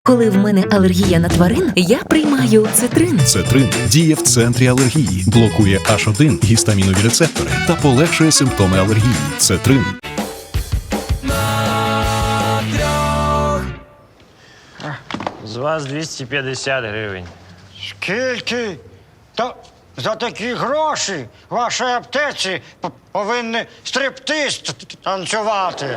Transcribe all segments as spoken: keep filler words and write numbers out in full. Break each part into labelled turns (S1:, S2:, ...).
S1: Коли в мене алергія на тварин, я приймаю цитрин.
S2: Цетрин діє в центрі алергії, блокує аш один гістамінові рецептори та полегшує симптоми алергії. Цетрин.
S3: З вас двісті п'ятдесят гривень.
S4: Скільки? Та за такі гроші в вашій аптеці п- повинні стриптиз т- т- танцювати.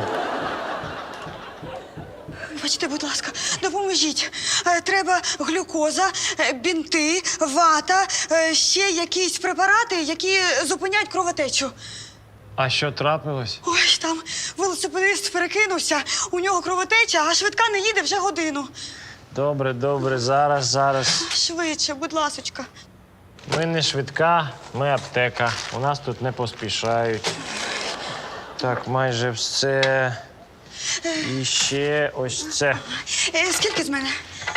S5: Вибачте, будь ласка, допоможіть. Е, Треба глюкоза, е, бінти, вата, е, ще якісь препарати, які зупиняють кровотечу.
S3: А що трапилось?
S5: Ой, там велосипедист перекинувся, у нього кровотеча, а швидка не їде вже годину.
S3: Добре, добре, зараз, зараз.
S5: Швидше, будь ласочка.
S3: Ми не швидка, ми аптека. У нас тут не поспішають. Так, майже все. І ще ось це.
S5: Е, Скільки з мене?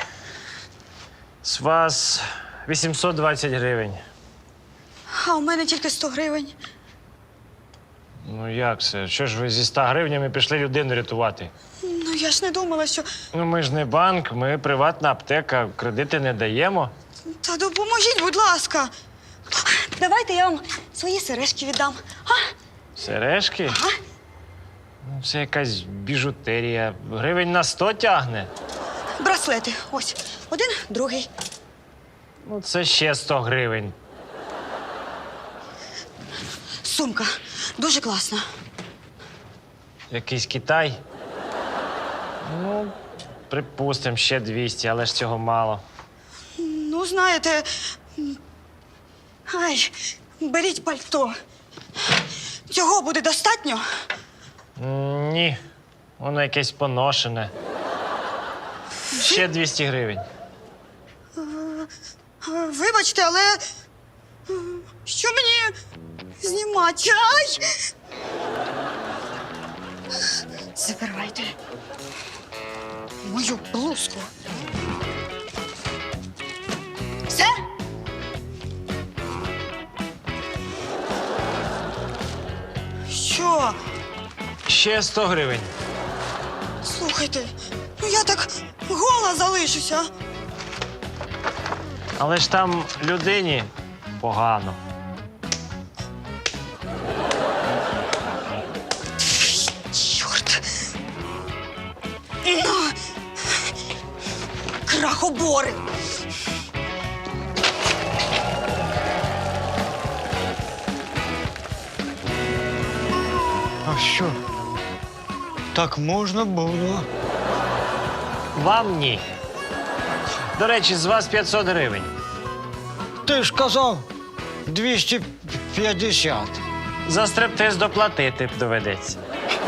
S3: З вас вісімсот двадцять гривень.
S5: А у мене тільки сто гривень.
S3: Ну як це? Що ж ви зі ста гривнями пішли людину рятувати?
S5: Ну, я ж не думала, що...
S3: Ну ми ж не банк, ми приватна аптека, кредити не даємо.
S5: Та допоможіть, будь ласка. Давайте я вам свої сережки віддам. А?
S3: Сережки?
S5: Ага.
S3: Ну, це якась біжутерія. Гривень на сто тягне.
S5: Браслети. Ось. Один, другий.
S3: Ну, це ще сто гривень.
S5: Сумка. Дуже класна.
S3: Якийсь Китай. Ну, припустимо, ще двісті, але ж цього мало.
S5: Ну, знаєте. м, Ай, беріть пальто. Цього буде достатньо?
S3: М, Ні, воно якесь поношене. Ще двісті гривень.
S5: Е, Вибачте, але м, що мені знімати? Ай! Забирайте мою блузку. Все? Що?
S3: Ще сто гривень.
S5: Слухайте, ну я так гола залишуся.
S3: Але ж там людині погано.
S5: Чорт. На. Крахобори.
S4: А що? Так можна було.
S3: Вам ні. До речі, з вас п'ятсот гривень.
S4: Ти ж казав двісті п'ятдесят.
S3: За стриптиз доплатити доведеться.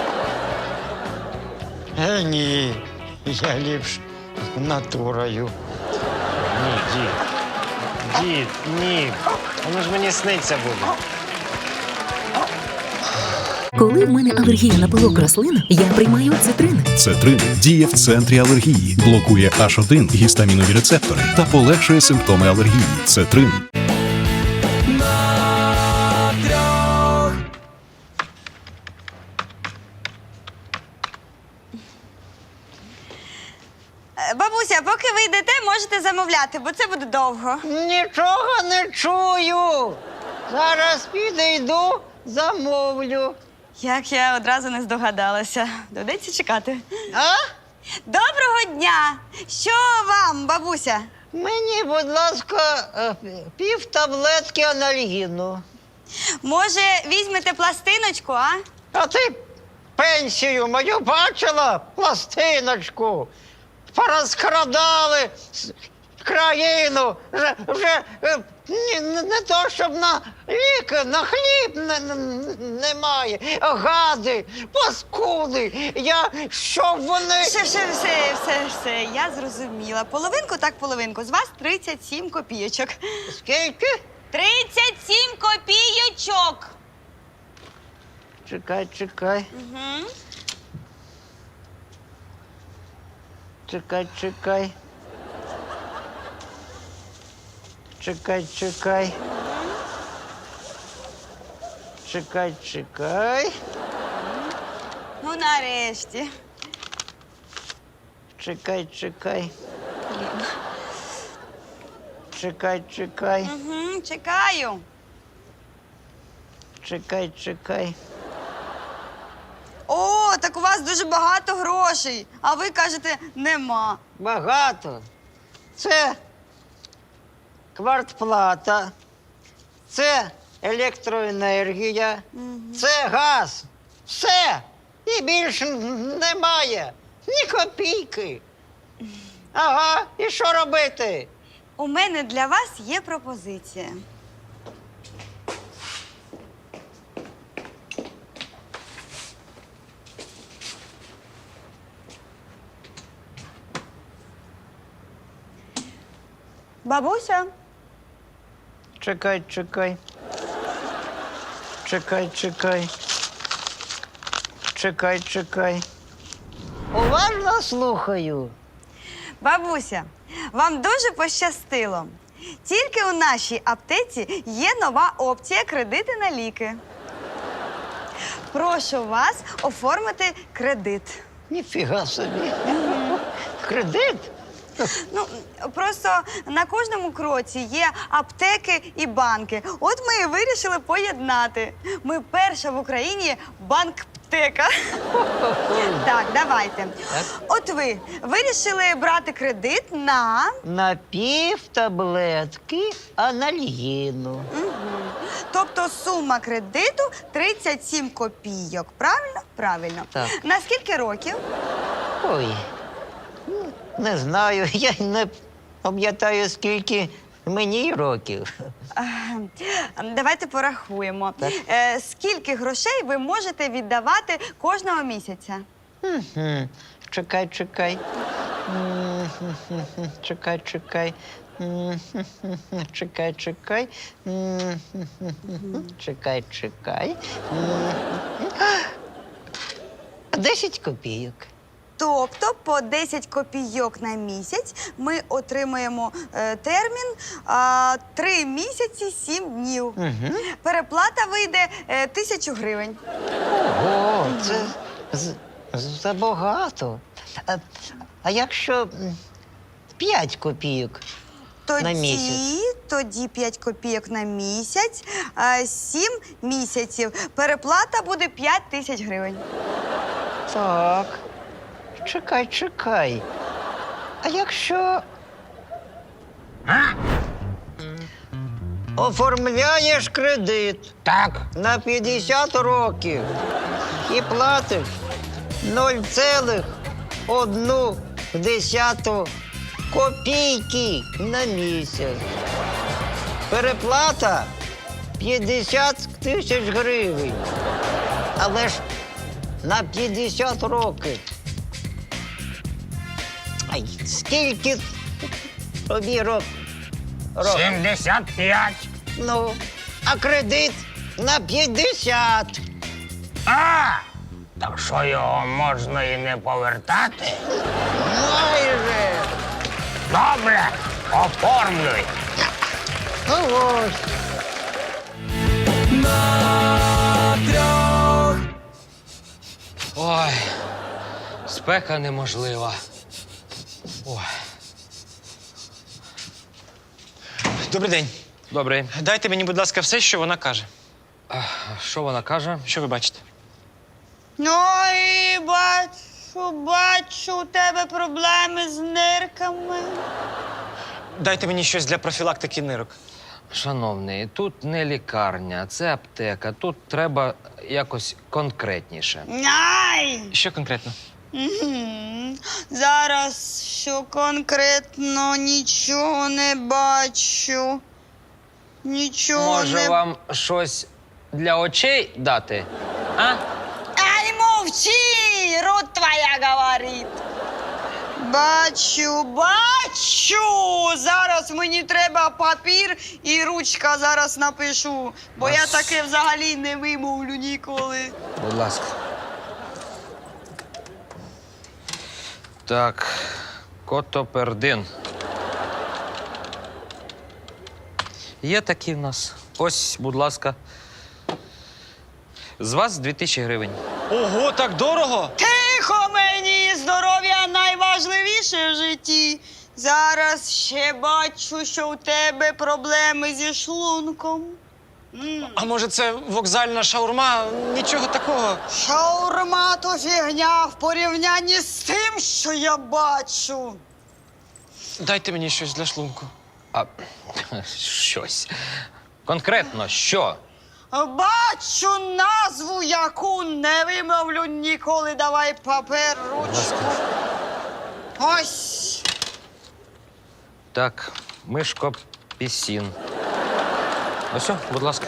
S4: Е, ні. Я ліпш натурою.
S3: Ні, дід. Дід, ні. Воно ж мені сниться буде.
S1: Коли в мене алергія на пилок рослин, я приймаю цитрин.
S2: Цетрин діє в центрі алергії, блокує аш один гістамінові рецептори та полегшує симптоми алергії. Цетрин.
S5: Е, Бабуся, поки ви йдете, можете замовляти, бо це буде довго.
S6: Нічого не чую. Зараз підійду, замовлю.
S5: Як я одразу не здогадалася. Доведеться чекати.
S6: А?
S5: Доброго дня! Що вам, бабуся?
S6: Мені, будь ласка, е, пів таблетки анальгіну.
S5: Може, візьмете пластиночку, а?
S6: А ти пенсію мою бачила? Пластиночку. Порозкрадали с- країну. Вже, вже е, ні- не, не то, щоб на ліки, на хліб не, не, немає. Гади, паскуди. Я, щоб вони...
S5: Все, все, все, все, все, я зрозуміла. Половинку так половинку. З вас тридцять сім копійочок.
S6: Скільки?
S5: тридцять сім копійочок!
S6: Чекай, чекай.
S5: Угу.
S6: Чекай, чекай. Чекай, чекай. Чекай, чекай.
S5: Ну, нарешті.
S6: Чекай, чекай. Чекай, чекай,
S5: Угу, чекаю.
S6: чекай, чекай.
S5: О, так у вас дуже багато грошей, а ви кажете, нема.
S6: Багато. Це квартплата, це електроенергія, це газ. Все. І більше немає. Ні копійки. Ага, і що робити?
S5: У мене для вас є пропозиція. Бабуся,
S6: Чекай, чекай. Чекай, чекай. Чекай, чекай. Уважно слухаю.
S5: бабуся, вам дуже пощастило. Тільки у нашій аптеці є нова опція кредити на ліки. Прошу вас оформити кредит.
S6: Ніфіга собі. Кредит?
S5: Ну, просто на кожному кроці є аптеки і банки. От ми і вирішили поєднати. Ми перша в Україні банк-птека. Так, давайте. От ви вирішили брати кредит на...
S6: На пів таблетки анальгіну.
S5: Тобто сума кредиту тридцять сім копійок. Правильно? Правильно.
S6: Так.
S5: На скільки років?
S6: Ой, ну, не знаю, я й не пам'ятаю, скільки мені років.
S5: Ем, Давайте порахуємо.
S6: Так.
S5: Е, Скільки грошей ви можете віддавати кожного місяця?
S6: Мгм. Чекай, чекай. М, Чекай, чекай. М, Чекай, чекай. М, Чекай, чекай. М, Десять копійок.
S5: Тобто по десять копійок на місяць ми отримуємо е, термін а, три місяці, сім днів. Переплата вийде е, тисячу гривень.
S6: Ого, це з- з- забагато. А, а якщо м, п'ять копійок?
S5: Тоді,
S6: На місяць.
S5: тоді п'ять копійок на місяць, а, сім місяців. Переплата буде п'ять тисяч гривень.
S6: Так. Чекай, чекай. А якщо. Оформляєш кредит. Так. На п'ятдесят років. І платиш нуль цілих одну десяту копійки на місяць. Переплата п'ятдесят тисяч гривень. Але ж на п'ятдесят років. Ай, скільки тобі рок? рок?
S7: сімдесят п'ять.
S6: Ну, а кредит на п'ятдесят.
S7: А! Так що його можна і не повертати?
S6: Майже.
S7: Добре, оформлюй.
S6: Ну ось.
S8: Ой, спека неможлива. Ой.
S3: Добрий день.
S8: Добре.
S3: Дайте мені, будь ласка, все, що вона каже.
S8: А що вона каже?
S3: Що ви бачите?
S5: Ой, бачу, бачу, у тебе проблеми з нирками.
S3: Дайте мені щось для профілактики нирок.
S8: Шановний, тут не лікарня, це аптека. Тут треба якось конкретніше.
S5: Ай!
S3: Що конкретно?
S5: Мгм. Зараз що конкретно нічого не бачу. Нічого
S8: Може,
S5: не...
S8: вам щось для очей дати? А?
S5: Ай, мовчи! Рот твоя говорить. Бачу, бачу! Зараз мені треба папір і ручка зараз напишу, бо я таке взагалі не вимовлю ніколи.
S8: Будь ласка. Так, котопердин. Є такі в нас. Ось, будь ласка. З вас дві тисячі гривень.
S3: Ого, так дорого!
S5: Тихо мені! Здоров'я найважливіше в житті. Зараз ще бачу, що у тебе проблеми зі шлунком. М.
S3: А може це вокзальна шаурма? Нічого такого.
S5: Шаурма то фігня в порівнянні з тим, що я бачу.
S3: Дайте мені щось для шлунку.
S8: А щось. Конкретно що?
S5: Бачу назву, яку не вимовлю ніколи. Давай папер, ручку. Ось.
S8: Так, мишко пісін. Ось, о, будь ласка.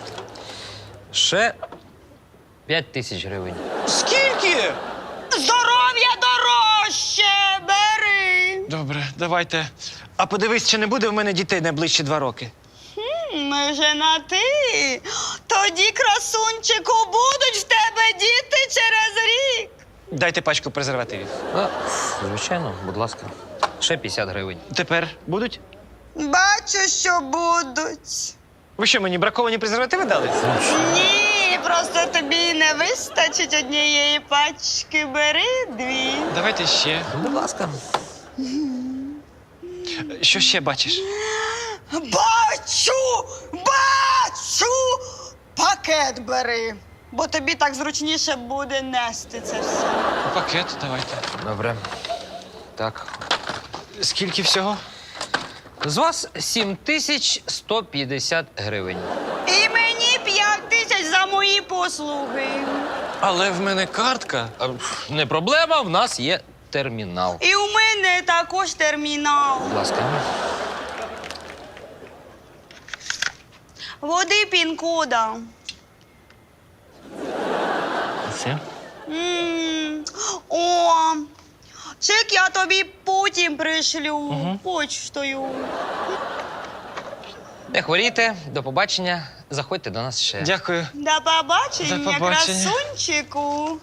S8: Ще п'ять тисяч гривень.
S3: Скільки?
S5: Здоров'я дорожче, бери.
S3: Добре, давайте. А подивись, чи не буде в мене дітей найближчі два роки.
S5: Ми вже на ти. Тоді, красунчику, будуть в тебе діти через рік.
S3: Дайте пачку презервативів.
S8: А, звичайно, будь ласка. Ще п'ятдесят гривень.
S3: Тепер будуть?
S5: Бачу, що будуть.
S3: Ви що, мені браковані презервативи дали?
S5: Ні, просто тобі не вистачить однієї пачки. Бери дві.
S3: Давайте ще.
S8: Будь ласка.
S3: Що ще бачиш?
S5: Бачу! Бачу! Пакет бери, бо тобі так зручніше буде нести це все.
S3: Пакет давайте.
S8: Добре. Так.
S3: Скільки всього?
S8: З вас сім тисяч сто п'ятдесят гривень.
S5: І мені п'ять тисяч за мої послуги.
S3: Але в мене картка.
S8: А, Не проблема, в нас є термінал.
S5: І у мене також термінал.
S8: Будь ласка.
S5: Води пін-кода.
S8: Все.
S5: М, О, чек я тобі потім пришлю почтою.
S8: Не хворійте, до побачення. Заходьте до нас ще.
S3: Дякую.
S5: До побачення,
S3: До побачення.
S5: красунчику.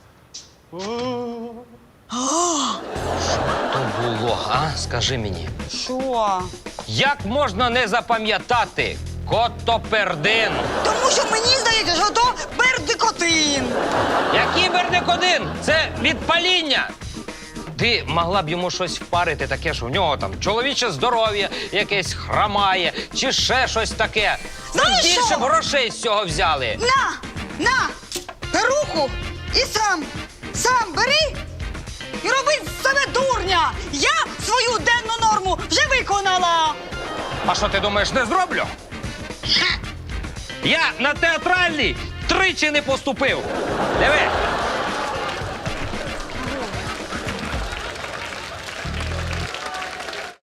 S8: То було, а? Скажи мені.
S5: Що?
S8: Як можна не запам'ятати котопердин?
S5: Тому що мені здається, що то бердикотин.
S8: Який бердикодин? Це від паління. Ти могла б йому щось впарити таке, що в нього там чоловіче здоров'я якесь хромає, чи ще щось таке.
S5: Знаєш
S8: Більше
S5: що?
S8: б грошей з цього взяли.
S5: На, на, перуху і сам, сам бери і роби з себе дурня. Я свою денну норму вже виконала.
S8: А що ти думаєш, не зроблю? Я на театральний тричі не поступив. Диви.